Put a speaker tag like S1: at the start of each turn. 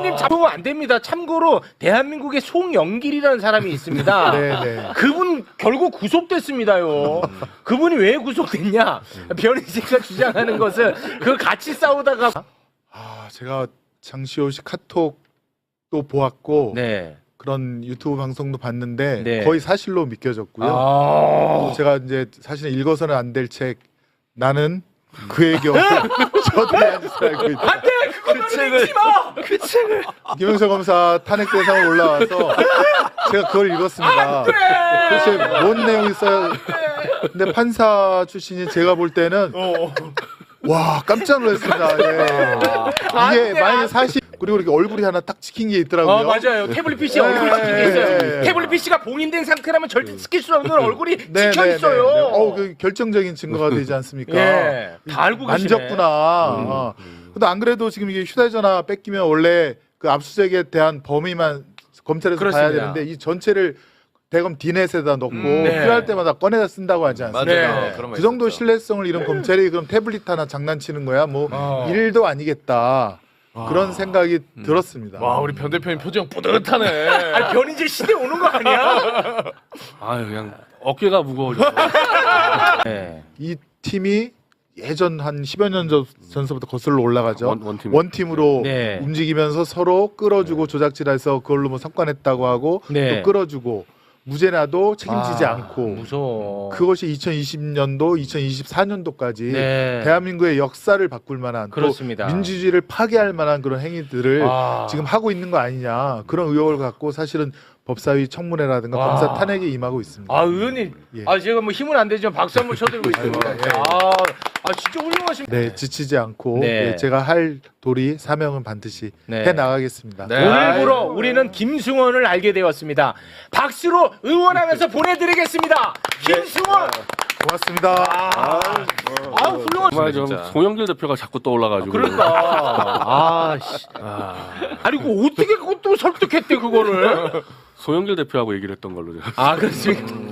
S1: 의원님 잡으면 안 됩니다. 참고로 대한민국에 송영길이라는 사람이 있습니다.
S2: 네네.
S1: 그분 결국 구속됐습니다요. 그분이 왜 구속됐냐? 변희재가 주장하는 것은 그걸 같이 싸우다가
S2: 제가 장시호 씨 카톡도 보았고
S1: 네.
S2: 그런 유튜브 방송도 봤는데
S1: 네.
S2: 거의 사실로 믿겨졌고요. 또 제가 이제 사실은 읽어서는 안 될 책 나는 그의 경우 저들이 아주 잘 알고 있다.
S1: 안돼 그거는 읽지 마. 그 책을
S2: 김영철 검사 탄핵 대상으로 올라와서 제가 그걸 읽었습니다. 도대체 뭔 내용이 있어요? 근데 판사 출신인 제가 볼 때는 와 깜짝 놀랐습니다. 예. 이게 만약에 사실 그리고 이렇게 얼굴이 하나 딱 찍힌 게 있더라고요.
S1: 맞아요. 태블릿 PC 얼굴이 찍힌 게 있어요.
S2: 네.
S1: 태블릿 PC가 봉인된 상태라면 절대 찍힐 수 없는 얼굴이
S2: 네,
S1: 찍혀
S2: 네,
S1: 있어요.
S2: 네, 네. 그 결정적인 증거가 되지 않습니까?
S1: 예. 다 알고 계시네.
S2: 만졌구나. 근데 안 그래도 지금 이게 휴대전화 뺏기면 원래 그 압수수색에 대한 범위만 검찰에서
S1: 그렇습니다.
S2: 봐야 되는데 이 전체를 대검 디넷에다 넣고
S1: 네.
S2: 필요할 때마다 꺼내다 쓴다고 하지 않습니까?
S1: 네.
S3: 그런 거
S2: 그 정도
S3: 있었죠.
S2: 신뢰성을 잃은 검찰이 그럼 태블릿 하나 장난치는 거야? 뭐 일도 아니겠다. 그런 생각이 들었습니다.
S3: 와 우리 변 대표님 표정 뿌듯하네.
S1: 아니 변희재 시대 오는 거 아니야?
S4: 아 그냥 어깨가 무거워져.
S1: 네.
S2: 이 팀이 예전 한 10여 년 전서부터 거슬러 올라가죠.
S4: 원팀.
S2: 으로
S1: 네.
S2: 움직이면서 서로 끌어주고 조작질해서 그걸로 뭐 석관했다고 하고
S1: 네.
S2: 또 끌어주고 무죄나도 책임지지 않고
S1: 무서워.
S2: 그것이 2020년도, 2024년도까지
S1: 네.
S2: 대한민국의 역사를 바꿀 만한
S1: 그렇습니다.
S2: 또 민주주의를 파괴할 만한 그런 행위들을 지금 하고 있는 거 아니냐 그런 의혹을 갖고 사실은 법사위 청문회라든가
S1: 와.
S2: 검사 탄핵에 임하고 있습니다.
S1: 아 의원님,
S2: 예.
S1: 제가 뭐 힘은 안 되지만 박수 한번 쳐드리고 있습니다.
S2: 예.
S1: 진짜 훌륭하십니다.
S2: 네, 지치지 않고
S1: 네.
S2: 예, 제가 할 도리 사명은 반드시
S1: 네.
S2: 해 나가겠습니다.
S3: 네.
S1: 오늘부로 우리는 김승원을 알게 되었습니다. 박수로 응원하면서 보내드리겠습니다. 김승원.
S2: 고맙습니다.
S1: 훌륭하십니다.
S4: 정말 좀
S3: 진짜.
S4: 송영길 대표가 자꾸 떠올라가지고.
S1: 그러니까. 아니 그 어떻게 그것도 설득했대 그거를?
S4: 송영길 대표하고 얘기를 했던 걸로 제가.
S1: 그렇습니까?